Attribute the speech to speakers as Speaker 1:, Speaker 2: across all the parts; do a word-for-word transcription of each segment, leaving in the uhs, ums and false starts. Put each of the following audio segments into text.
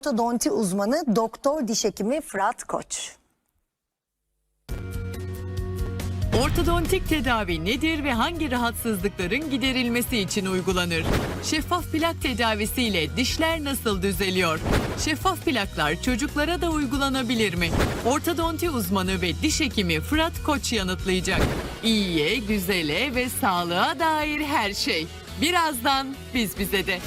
Speaker 1: Ortodonti uzmanı Doktor Diş Hekimi Fırat Koç.
Speaker 2: Ortodontik tedavi nedir ve hangi rahatsızlıkların giderilmesi için uygulanır? Şeffaf plak tedavisiyle dişler nasıl düzeliyor? Şeffaf plaklar çocuklara da uygulanabilir mi? Ortodonti uzmanı ve diş hekimi Fırat Koç yanıtlayacak. İyiye, güzele ve sağlığa dair her şey. Birazdan biz bize de.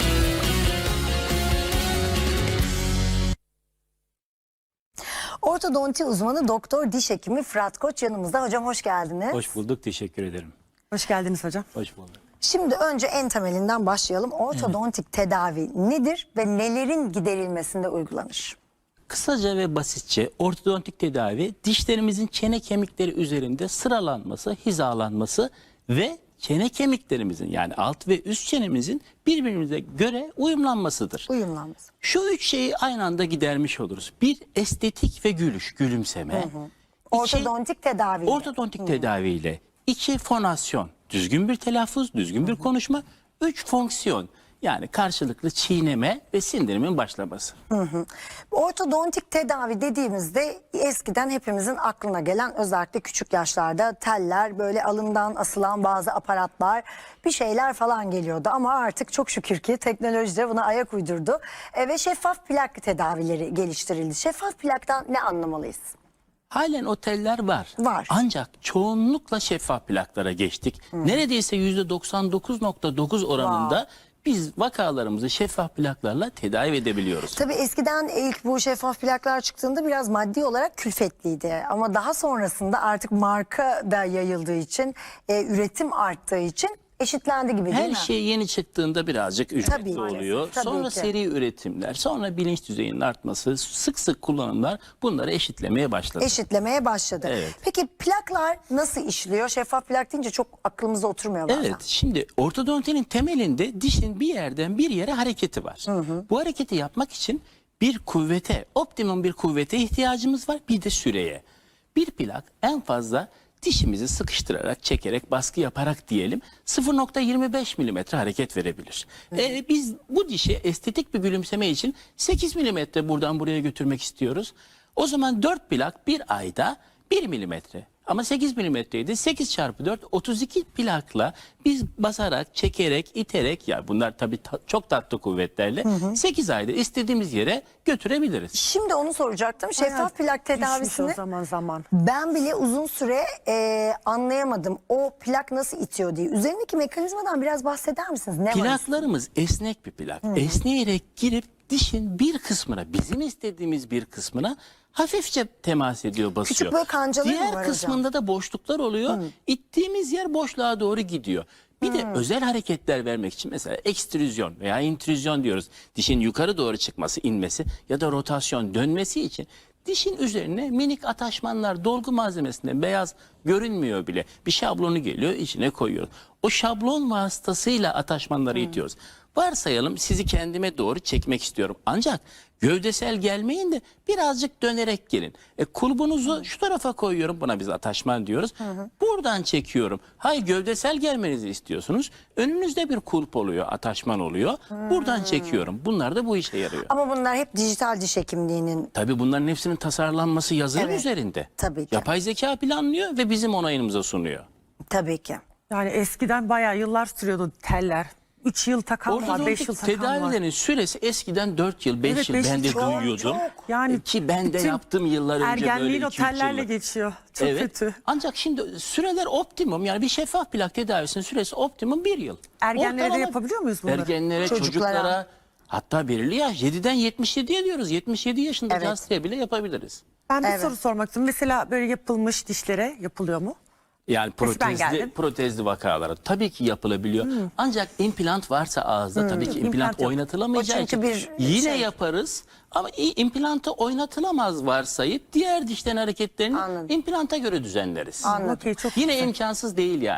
Speaker 1: Ortodonti uzmanı Doktor Diş Hekimi Fırat Koç yanımızda. Hocam hoş geldiniz.
Speaker 3: Hoş bulduk, teşekkür ederim.
Speaker 4: Hoş geldiniz hocam.
Speaker 3: Hoş bulduk.
Speaker 1: Şimdi önce en temelinden başlayalım. Ortodontik evet. tedavi nedir ve nelerin giderilmesinde uygulanır?
Speaker 3: Kısaca ve basitçe ortodontik tedavi dişlerimizin çene kemikleri üzerinde sıralanması, hizalanması ve çene kemiklerimizin yani alt ve üst çenemizin birbirimize göre uyumlanmasıdır.
Speaker 1: Uyumlanması.
Speaker 3: Şu üç şeyi aynı anda gidermiş oluruz. Bir, estetik ve gülüş, gülümseme. Hı hı.
Speaker 1: Ortodontik tedaviyle.
Speaker 3: Ortodontik hı. tedaviyle. İki, fonasyon. Düzgün bir telaffuz, düzgün bir hı hı. konuşma. Üç, fonksiyon. Yani karşılıklı çiğneme ve sindirimin başlaması.
Speaker 1: Hı hı. Ortodontik tedavi dediğimizde eskiden hepimizin aklına gelen, özellikle küçük yaşlarda teller, böyle alından asılan bazı aparatlar, bir şeyler falan geliyordu. Ama artık çok şükür ki teknoloji de buna ayak uydurdu e, ve şeffaf plak tedavileri geliştirildi. Şeffaf plaktan ne anlamalıyız?
Speaker 3: Halen oteller var.
Speaker 1: Var.
Speaker 3: Ancak çoğunlukla şeffaf plaklara geçtik. Hı. Neredeyse yüzde doksan dokuz nokta dokuz oranında wow. biz vakalarımızı şeffaf plaklarla tedavi edebiliyoruz.
Speaker 1: Tabii eskiden ilk bu şeffaf plaklar çıktığında biraz maddi olarak külfetliydi. Ama daha sonrasında artık marka da yayıldığı için, e, üretim arttığı için eşitlendi gibi değil
Speaker 3: Her
Speaker 1: mi?
Speaker 3: Her şey yeni çıktığında birazcık ücretli oluyor.
Speaker 1: Tabii
Speaker 3: sonra
Speaker 1: ki.
Speaker 3: seri üretimler, sonra bilinç düzeyinin artması, sık sık kullanımlar bunları eşitlemeye başladı.
Speaker 1: Eşitlemeye başladı. Evet. Peki plaklar nasıl işliyor? Şeffaf plak deyince çok aklımıza oturmuyor bazen.
Speaker 3: Evet, şimdi ortodontinin temelinde dişin bir yerden bir yere hareketi var. Hı hı. Bu hareketi yapmak için bir kuvvete, optimum bir kuvvete ihtiyacımız var, bir de süreye. Bir plak en fazla dişimizi sıkıştırarak, çekerek, baskı yaparak diyelim sıfır nokta yirmi beş milimetre hareket verebilir. Ee, biz bu dişi estetik bir gülümseme için sekiz milimetre buradan buraya götürmek istiyoruz. O zaman dört plak bir ayda bir milimetre. Ama sekiz milimetreydi. sekiz çarpı dört, otuz iki plakla biz basarak, çekerek, iterek, ya bunlar tabii ta çok tatlı kuvvetlerle hı hı. sekiz ayda istediğimiz yere götürebiliriz.
Speaker 1: Şimdi onu soracaktım. Şeffaf plak tedavisini
Speaker 4: zaman zaman.
Speaker 1: ben bile uzun süre e, anlayamadım. O plak nasıl itiyor diye. Üzerindeki mekanizmadan biraz bahseder misiniz? Ne
Speaker 3: Plaklarımız var? Esnek bir plak. Hı hı. Esneyerek girip dişin bir kısmına, bizim istediğimiz bir kısmına hafifçe temas ediyor, basıyor.
Speaker 1: Küçük böyle kancaları mı var
Speaker 3: Diğer kısmında
Speaker 1: hocam?
Speaker 3: da boşluklar oluyor. Hı. İttiğimiz yer boşluğa doğru gidiyor. Bir Hı. de özel hareketler vermek için mesela ekstrüzyon veya intrüzyon diyoruz. Dişin yukarı doğru çıkması, inmesi ya da rotasyon, dönmesi için dişin üzerine minik ataşmanlar, dolgu malzemesinde beyaz görünmüyor bile. Bir şablonu geliyor, içine koyuyoruz. O şablon vasıtasıyla ataşmanları Hı. itiyoruz. Varsayalım sizi kendime doğru çekmek istiyorum. Ancak gövdesel gelmeyin de birazcık dönerek gelin. E, kulbunuzu şu tarafa koyuyorum. Buna biz ataşman diyoruz. Hı hı. Buradan çekiyorum. Hayır, gövdesel gelmenizi istiyorsunuz. Önünüzde bir kulp oluyor, ataşman oluyor. Hı. Buradan çekiyorum. Bunlar da bu işe yarıyor.
Speaker 1: Ama bunlar hep dijital diş hekimliğinin...
Speaker 3: Tabii bunların hepsinin tasarlanması yazılım
Speaker 1: evet.
Speaker 3: üzerinde.
Speaker 1: Tabii ki.
Speaker 3: Yapay zeka planlıyor ve bizim onayımıza sunuyor.
Speaker 1: Tabii ki.
Speaker 4: Yani eskiden bayağı yıllar sürüyordu teller. üç yıl takan var, beş yıl takan var.
Speaker 3: Tedavilerin süresi eskiden dört yıl, beş
Speaker 4: evet,
Speaker 3: yıl
Speaker 4: beş
Speaker 3: ben de
Speaker 4: çok,
Speaker 3: duyuyordum. Çok.
Speaker 4: Yani
Speaker 3: ki ben de yaptım yıllar önce böyle
Speaker 4: ergenliğin o
Speaker 3: iki üç
Speaker 4: tellerle
Speaker 3: yıllık.
Speaker 4: geçiyor. Çok
Speaker 3: evet.
Speaker 4: kötü.
Speaker 3: Ancak şimdi süreler optimum, yani bir şeffaf plak tedavisinin süresi optimum bir yıl.
Speaker 4: Ergenlere
Speaker 3: Ortalama,
Speaker 4: de yapabiliyor muyuz bunları?
Speaker 3: Ergenlere, çocuklara, çocuklara hatta belirli yaş yediden yetmiş yediye diyoruz. yetmiş yedi yaşında evet. hastaya bile yapabiliriz.
Speaker 4: Ben bir
Speaker 1: evet.
Speaker 4: soru sormak istiyorum. Mesela böyle yapılmış dişlere yapılıyor mu?
Speaker 3: Yani protezli, protezli vakalara tabii ki yapılabiliyor. Hmm. Ancak implant varsa ağızda hmm. tabii ki implant, implant oynatılamayacağı için bir yine şey. yaparız. Ama implantı oynatılamaz varsayıp diğer dişlerin hareketlerini Anladım. implanta göre düzenleriz.
Speaker 1: Anladım. Okay,
Speaker 3: çok yine güzel. imkansız değil yani.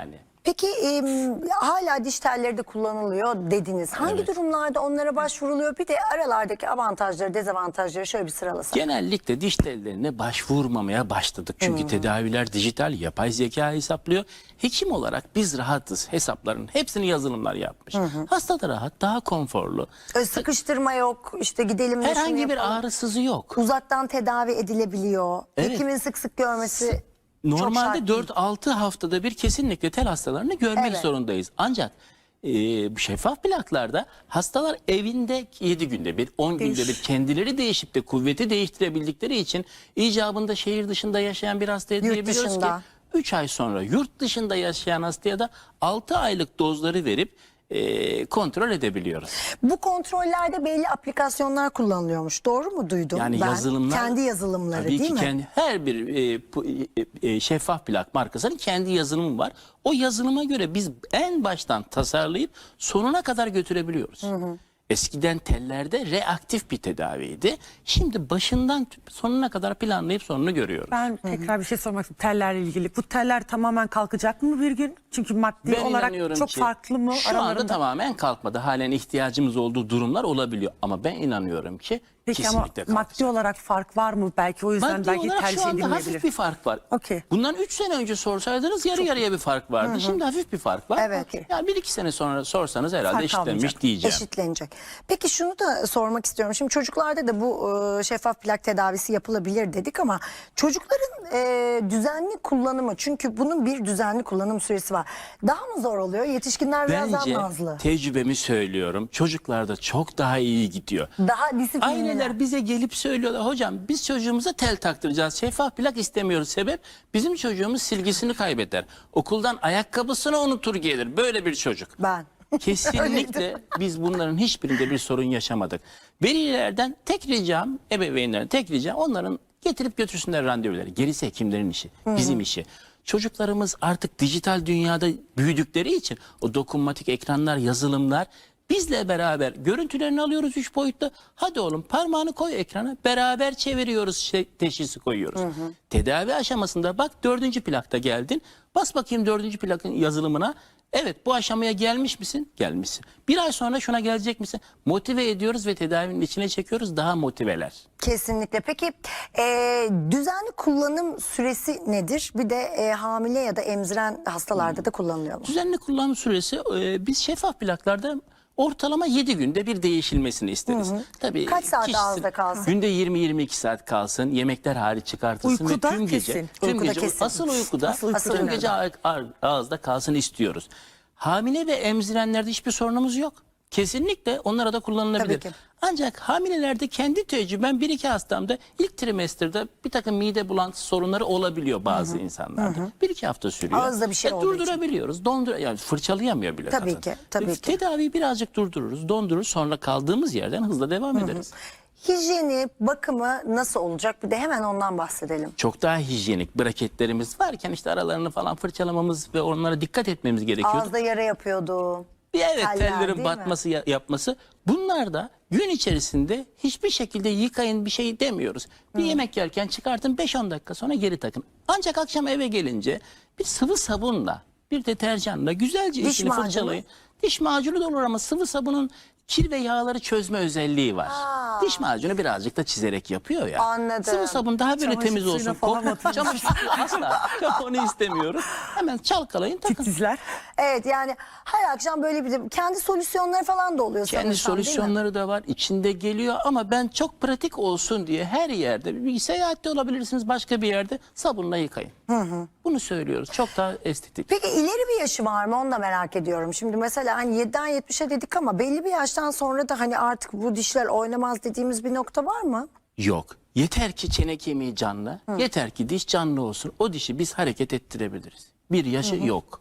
Speaker 1: Peki e, hala diş telleri de kullanılıyor dediniz. Hangi
Speaker 3: Evet.
Speaker 1: durumlarda onlara başvuruluyor? Bir de aralardaki avantajları, dezavantajları şöyle bir sıralasak.
Speaker 3: Genellikle diş tellerine başvurmamaya başladık. Çünkü tedaviler dijital, yapay zeka hesaplıyor. Hekim olarak biz rahatız. Hesapların hepsini yazılımlar yapmış. Hasta da rahat, daha konforlu.
Speaker 1: Ö, Sıkıştırma yok, işte gidelim de şunu
Speaker 3: Herhangi bir
Speaker 1: yapalım.
Speaker 3: ağrısızı yok.
Speaker 1: Uzaktan tedavi edilebiliyor.
Speaker 3: Evet.
Speaker 1: Hekimin sık sık görmesi çok
Speaker 3: Normalde
Speaker 1: şart değil.
Speaker 3: dört altı haftada bir kesinlikle tel hastalarını görmek
Speaker 1: Evet.
Speaker 3: zorundayız. Ancak e, bu şeffaf plaklarda hastalar evinde yedi günde bir, on günde bir kendileri değişip de kuvveti değiştirebildikleri için icabında şehir dışında yaşayan bir hastaya
Speaker 1: Yurt
Speaker 3: diyebiliyoruz
Speaker 1: dışında.
Speaker 3: ki üç ay sonra yurt dışında yaşayan hastaya da altı aylık dozları verip e, kontrol edebiliyoruz.
Speaker 1: Bu kontrollerde belli aplikasyonlar kullanılıyormuş. Doğru mu duydum
Speaker 3: Yani
Speaker 1: ben?
Speaker 3: yazılımlar
Speaker 1: Kendi yazılımları
Speaker 3: tabii
Speaker 1: değil
Speaker 3: ki
Speaker 1: mi?
Speaker 3: kendi, her bir e, pu- e, e, şeffaf plak markasının kendi yazılımı var. O yazılıma göre biz en baştan tasarlayıp sonuna kadar götürebiliyoruz. Eskiden tellerde reaktif bir tedaviydi. Şimdi başından sonuna kadar planlayıp sonunu görüyoruz.
Speaker 4: Ben tekrar bir şey sormak istiyorum tellerle ilgili. Bu teller tamamen kalkacak mı bir gün? Çünkü maddi
Speaker 3: Ben
Speaker 4: olarak
Speaker 3: inanıyorum
Speaker 4: çok
Speaker 3: ki
Speaker 4: farklı mı
Speaker 3: şu anda
Speaker 4: aralarında?
Speaker 3: tamamen kalkmadı. Halen ihtiyacımız olduğu durumlar olabiliyor. Ama ben inanıyorum ki
Speaker 4: Peki ama
Speaker 3: kesinlikle kalkacak.
Speaker 4: maddi olarak fark var mı? Belki o yüzden
Speaker 3: Maddi
Speaker 4: belki
Speaker 3: olarak
Speaker 4: tercih
Speaker 3: şu anda hafif
Speaker 4: edilmeyebilir.
Speaker 3: bir fark var.
Speaker 4: Okey.
Speaker 3: Bundan üç sene önce sorsaydınız yarı yarıya bir fark vardı. Şimdi hafif bir fark var.
Speaker 1: Evet.
Speaker 3: Okey. Yani bir iki sene sonra sorsanız herhalde
Speaker 4: Fark
Speaker 3: eşitlenmiş
Speaker 4: kalmayacak.
Speaker 3: diyeceğim.
Speaker 1: Eşitlenecek. Peki şunu da sormak istiyorum. Şimdi çocuklarda da bu e, şeffaf plak tedavisi yapılabilir dedik ama çocukların e, düzenli kullanımı, çünkü bunun bir düzenli kullanım süresi var. Daha mı zor oluyor? Yetişkinler biraz
Speaker 3: Bence
Speaker 1: daha nazlı.
Speaker 3: tecrübemi söylüyorum. Çocuklarda çok daha iyi gidiyor.
Speaker 1: Daha disiplinli.
Speaker 3: Aileler bize gelip söylüyorlar, hocam biz çocuğumuza tel taktıracağız. Şeffaf plak istemiyoruz. Sebep bizim çocuğumuz silgisini kaybeder. Okuldan ayakkabısını unutur gelir. Böyle bir çocuk.
Speaker 1: Ben.
Speaker 3: Kesinlikle biz bunların hiçbirinde bir sorun yaşamadık. Velilerden tek ricam, ebeveynlerden tek ricam onların getirip götürsünler randevuları. Gerisi hekimlerin işi, bizim işi. Çocuklarımız artık dijital dünyada büyüdükleri için o dokunmatik ekranlar, yazılımlar bizle beraber görüntülerini alıyoruz üç boyutlu. Hadi oğlum parmağını koy ekrana, beraber çeviriyoruz, şey, teşhisi koyuyoruz. Tedavi aşamasında bak dördüncü plakta geldin. Bas bakayım dördüncü plakın yazılımına. Evet, bu aşamaya gelmiş misin? Gelmişsin. Bir ay sonra şuna gelecek misin? Motive ediyoruz ve tedavinin içine çekiyoruz, daha motiveler.
Speaker 1: Kesinlikle. Peki e, düzenli kullanım süresi nedir? Bir de e, hamile ya da emziren hastalarda da kullanılıyor mu?
Speaker 3: Düzenli kullanım süresi e, biz şeffaf plaklarda ortalama yedi günde bir değişilmesini isteriz. Tabii
Speaker 1: Kaç saat
Speaker 3: kişisi-
Speaker 1: ağızda kalsın?
Speaker 3: Günde yirmi yirmi iki saat kalsın. Yemekler hariç çıkartılsın
Speaker 4: Uykuda
Speaker 3: ve tüm gece
Speaker 4: kesin.
Speaker 3: tüm
Speaker 1: Uykuda
Speaker 3: gece
Speaker 1: kesin.
Speaker 3: asıl uykuda,
Speaker 1: Asıl uykuda.
Speaker 3: tüm gece ağ- ağ- ağızda kalsın istiyoruz. Hamile ve emzirenlerde hiçbir sorunumuz yok. Kesinlikle onlara da kullanılabilir.
Speaker 1: Tabii ki.
Speaker 3: Ancak hamilelerde kendi tecrübem bir iki hastamda ilk trimesterde bir takım mide bulantısı sorunları olabiliyor bazı insanlarda. Bir iki hafta sürüyor.
Speaker 1: Ağızda bir şey
Speaker 3: E,
Speaker 1: olduğu için.
Speaker 3: Durdurabiliyoruz. Dondur yani fırçalayamıyor bile
Speaker 1: Tabii
Speaker 3: kadın.
Speaker 1: ki, tabii
Speaker 3: E,
Speaker 1: ki.
Speaker 3: Tedaviyi birazcık durdururuz, dondururuz. Sonra kaldığımız yerden hızla devam ederiz.
Speaker 1: Hijyeni, bakımı nasıl olacak? Bir de hemen ondan bahsedelim.
Speaker 3: Çok daha hijyenik braketlerimiz varken işte aralarını falan fırçalamamız ve onlara dikkat etmemiz gerekiyor.
Speaker 1: Ağızda yara yapıyordu.
Speaker 3: Bir evet
Speaker 1: Teller, değil
Speaker 3: tellerin
Speaker 1: mi?
Speaker 3: batması ya- yapması. Bunlar da gün içerisinde hiçbir şekilde yıkayın bir şey demiyoruz. Bir yemek yerken çıkartın beş on dakika sonra geri takın. Ancak akşam eve gelince bir sıvı sabunla bir deterjanla güzelce
Speaker 1: Diş
Speaker 3: içini
Speaker 1: macunu?
Speaker 3: fırçalayın. Diş macunu da olur ama sıvı sabunun kir ve yağları çözme özelliği var. Diş macunu birazcık da çizerek yapıyor ya.
Speaker 1: Anladım.
Speaker 3: Sıvı sabun daha böyle
Speaker 4: Çamaşır
Speaker 3: temiz
Speaker 4: suyuna
Speaker 3: olsun.
Speaker 4: falan
Speaker 3: Kok-
Speaker 4: atılmış.
Speaker 3: Çamaşır suyu asla. Yok, onu istemiyoruz. Hemen çalkalayın takın.
Speaker 4: Titizler.
Speaker 1: Evet, yani her akşam böyle bir de kendi solüsyonları falan da oluyor
Speaker 3: Kendi
Speaker 1: sanırsam, değil mi?
Speaker 3: solüsyonları da var. İçinde geliyor ama ben çok pratik olsun diye her yerde bir seyahatte olabilirsiniz başka bir yerde sabunla yıkayın. Bunu söylüyoruz. Çok daha estetik.
Speaker 1: Peki ileri bir yaşı var mı? Onu da merak ediyorum. Şimdi mesela hani yediden yetmişe dedik ama belli bir yaştan sonra da hani artık bu dişler oynamaz dediğimiz bir nokta var mı?
Speaker 3: Yok. Yeter ki çene kemiği canlı. Yeter ki diş canlı olsun. O dişi biz hareket ettirebiliriz. Bir yaşı yok.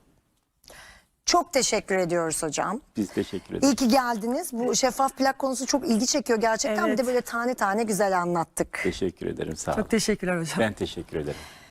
Speaker 1: Çok teşekkür ediyoruz hocam.
Speaker 3: Biz teşekkür ederiz.
Speaker 1: İyi ki geldiniz. Bu şeffaf plak konusu çok ilgi çekiyor gerçekten.
Speaker 4: Evet.
Speaker 1: Bir de böyle tane tane güzel anlattık.
Speaker 3: Teşekkür ederim. Sağ olun.
Speaker 4: Çok teşekkürler hocam.
Speaker 3: Ben teşekkür ederim.